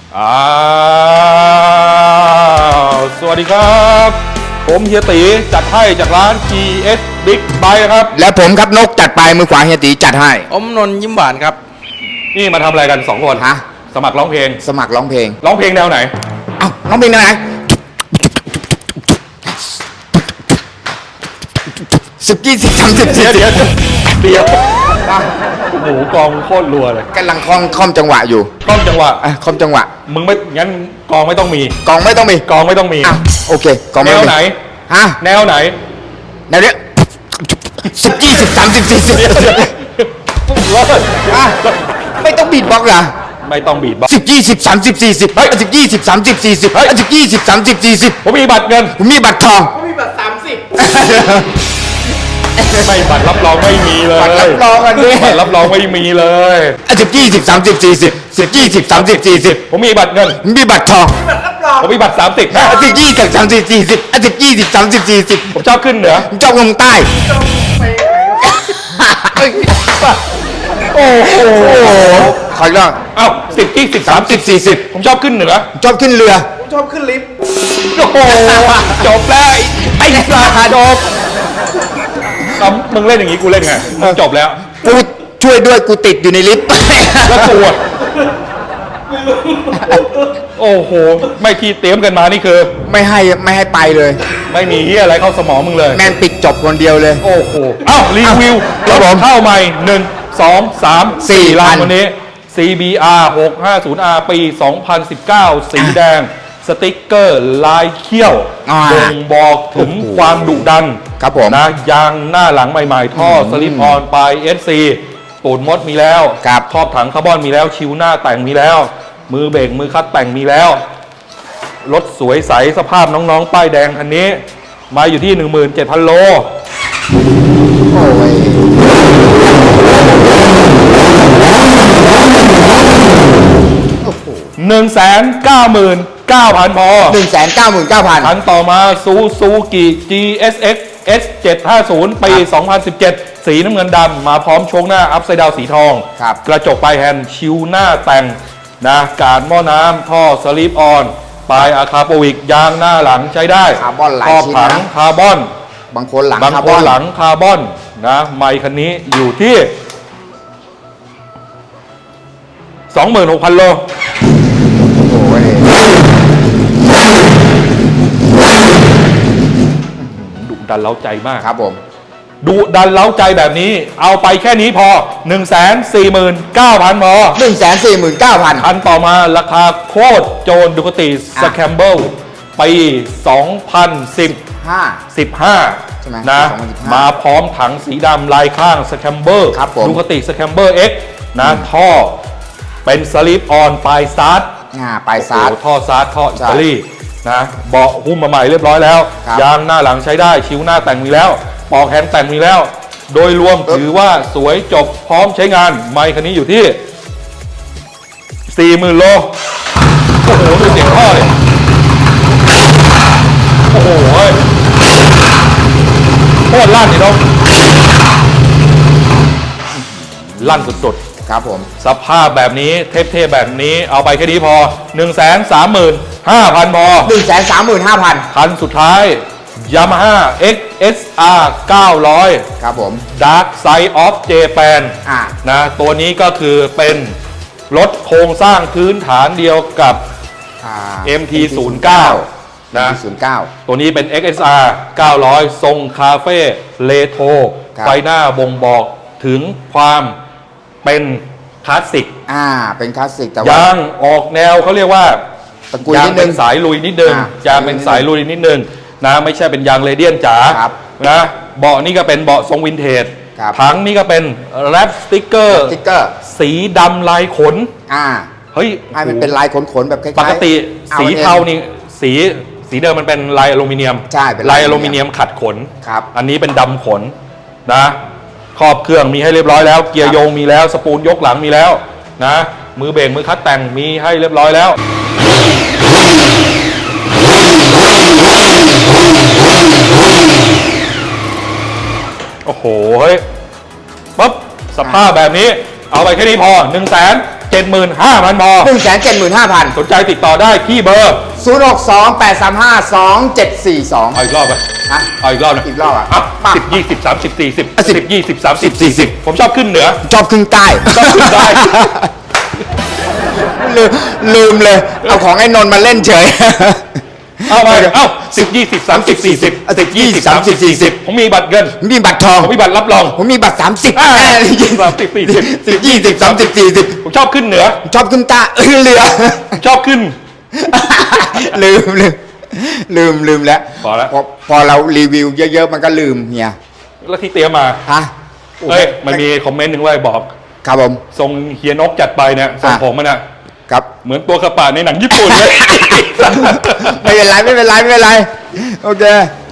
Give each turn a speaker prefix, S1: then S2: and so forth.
S1: สวัสดีครับผมเฮียตีจัดให้จากร้าน GS Big Bike ครับ
S2: และผมครับนกจัดไปมือขวาเฮียตีจัดให้
S3: อมนนยิ้มหวานครับ
S1: นี่มาทำอะไรกัน2คน
S2: ฮะ
S1: สมัครร้องเพลง
S2: สมัครร้องเพลง
S1: แนวไหน
S2: เอ้าร้องเพลงแนวไหน10 20 30
S1: เดี๋ยวโอ้โหกองโคตรรัวเลย
S2: กำลังคล่อมจังหวะอยู่
S1: คล่อมจังหวะ
S2: คล่อมจังหวะ
S1: มึงไม่งั้นกองไม่ต้องมี
S2: กองไม่ต้องมีโอเคกอง
S1: แนวไหน
S2: ฮะ
S1: แนวไหน
S2: แนวเนี้ย10 20 30 40ไม่ต้องบีทบ็อกซ์เหรอ
S1: ไม่ต้องบีทบ็อกซ์
S2: 10 20 30 40เฮ้ย10 20 30 40เฮ้ย10 20 30 40
S1: ผมมีบัตรเงิน
S2: ผมมีบัตรทอง
S3: ผมมีบัตร30
S1: ไม่บัตรรับรองไม่มีเลย
S2: บัตรรับรองอันนี้
S1: บัตรรับรองไม่มีเลย
S2: 10 20 30 40 10 20 30 40
S1: ผมมีบัตรเงิน
S2: ผมมีบัตรทอง
S1: ผมมีบัตร30
S2: 10 20 30 40 10 20 30 40
S1: ผมชอบขึ้นเหนือ
S2: ผมชอบลงใต้โอ้โหขออีกรอบ
S1: เอ้า10 20 30 40ผมชอบขึ้นเหนือ
S2: ชอบขึ้นเรือ
S3: ผมชอบขึ้นลิฟต์
S1: โอ้โหจบแล้วไอ้ปลาจบมึงเล่นอย่างนี้กูเล่นไงมึงจบแล้ว
S2: กูช่วยด้วยกูติดอยู่ในลิฟต์
S1: แล้วกูโอ้โหไม่ที่เตรียมกันมานี่คือ
S2: ไม่ให้ไปเลย
S1: ไม่มีเฮียอะไรเข้าสมองมึงเลย
S2: แมนปิดจบคนเดียวเลย
S1: โอ้โหเอ้ารีวิวรถเข้าใหม่1 2 3 4 ลังวันนี้ CBR 650R ปี 2019 สีแดงสติ๊กเกอร์ลายเขี้ยวบ่งบอกถึงความดุดัน
S2: ครับผม
S1: นะยางหน้าหลังใหม่ๆท่อสลิปออนปลาย SC ปูนมดมีแล้วครอบถังคาร์บอนมีแล้วชิวหน้าแต่งมีแล้วมือเบรกมือคัดแต่งมีแล้วรถสวยใสสภาพน้องๆป้ายแดงคันนี้มาอยู่ที่ 17,000 โล
S2: โอ้ย
S1: 199,000 พอ
S2: 199,000
S1: คันต่อมาซูซูกิ GSX S750 ปี 2017 สีน้ำเงินดำมาพร้อมโชคหน้าอัพไซด์ดาวสีทองกระจกปลายแฮนด์ชิวหน้าแต่งนะการหม้อน้ำท่อสลิปออนปลายอะคาโปวิกยางหน้าหลังใช้ได้
S2: คาร์บอนหลาย
S1: ชิ้นนะคาร์บอน
S2: บางคนหลังคา
S1: ร์บอนนะไมค์คันนี้อยู่ที่ 26,000 โล
S2: โอ้ย
S1: ดุดันเล้าใจมาก
S2: ครับผม
S1: ดุดันเล้าใจแบบนี้เอาไปแค่นี้พอ 149,000 พอ
S2: 149,000
S1: คันต่อมาราคาโคตรโจนดูคติสแคมเบิลปี2015นะมาพร้อมถังสีดำลายข้างสแคมเบอร์ดูคติสแคมเบอร์ X นะท่อเป็นสลิปออนปลายซาร์ด
S2: ปลายซาร์ด
S1: ท่อซาร์ดท่ออิตาลีนะเบาะหุ้มมาใหม่เรียบร้อยแล้วยางหน้าหลังใช้ได้ชิวหน้าแต่งมีแล้วปอกแฮนด์แต่งมีแล้วโดยรวมถือว่าสวยจบพร้อมใช้งานไมค์คันนี้อยู่ที่ 40,000 โลโอ้โหดูเสียงท่อเลยโอ้โหโคตรลั่นนี่น้องลั่นสุดๆ
S2: ครับผม
S1: สภาพแบบนี้เท่ๆแบบนี้เอาไปแค่นี้พอ 135,000 พอ
S2: 135,000
S1: คันสุดท้าย Yamaha XSR 900
S2: ครับผม
S1: Dark Side of Japan นะตัวนี้ก็คือเป็นรถโครงสร้างพื้นฐานเดียวกับ MT-09 นะ ตัวนี้เป็น XSR 900 ทรงคาเฟ่เลโทรไฟหน้าบ่งบอกถึงความเป็นคลาสสิก
S2: เป็นคลาสสิกแต่
S1: ว่ายางออกแนวเขาเรียกว่า
S2: ตะกุย
S1: ยาง
S2: นิดนึ
S1: เป็
S2: ง
S1: นสายลุยนิดนึงยางเป็นสายลุยนิดนึงนะไม่ใช่เป็นยางเรเดียนจ๋านะเบาะนี่ก็เป็นเบาะทรงวินเทจถังนี่ก็เป็นแรปสติ๊กเกอร์สีดำลายขนเฮ้ย
S2: มันเป็นลายขนแบบคล้ายๆ
S1: ปกติสีเทานี่สีเดิมมันเป็นลายอลูมิเนียม
S2: ใช่
S1: ลายอลูมิเนียมขัดขน
S2: ครับ
S1: อันนี้เป็นดำขนนะครอบเครื่องมีให้เรียบร้อยแล้วเกียร์โยงมีแล้วสปูลยกหลังมีแล้วนะมือเบรกมือคัดแต่งมีให้เรียบร้อยแล้วโอ้โหเฮ้ยปั๊บสภาพแบบนี้เอาไปแค่นี้พอ 175,000 พอ
S2: 175,000
S1: สนใจติดต่อได้ที่เบอร์
S2: 062-835-2742
S1: เอาอีกรอบไป
S2: ฮะ
S1: เอาอีกรอบนะ
S2: อีกรอบอ่ะ
S1: 10 20 30 40
S2: 10
S1: 10 20 30 40ผมชอบขึ้นเหนือ
S2: ชอบขึ้นใต้
S1: ชอบขึ้นใต้
S2: ลืมเลย เอาของไอ้นนท์มาเล่นเฉย
S1: เอาไป10 20 30 40 10 20 30 40ผมมีบัตรเงิน
S2: ผมมีบัตรทอง
S1: ผมมีบัตรรับรอง
S2: ผมมีบัตร30
S1: 30 40
S2: 10 20 30 40
S1: ผมชอบขึ้นเหนือ
S2: ชอบขึ้นใต้เรือ
S1: ชอบขึ้น
S2: ลืมแล้ว
S1: พอแล้ว
S2: พอเรารีวิวเยอะๆมันก็ลืมเฮีย
S1: แล้วที่เตรียมมา
S2: ฮะ
S1: เอ้ยมันมีคอมเมนต์หนึ่งไว้บอก
S2: ครับผม
S1: ทรงเฮียนกจัดไปเนี่ยทรงผมมันอะ
S2: ครับ
S1: เหมือนตัวกระป่าในหนังญี่ปุ่นเลย
S2: ไม่เป็นไรโอเค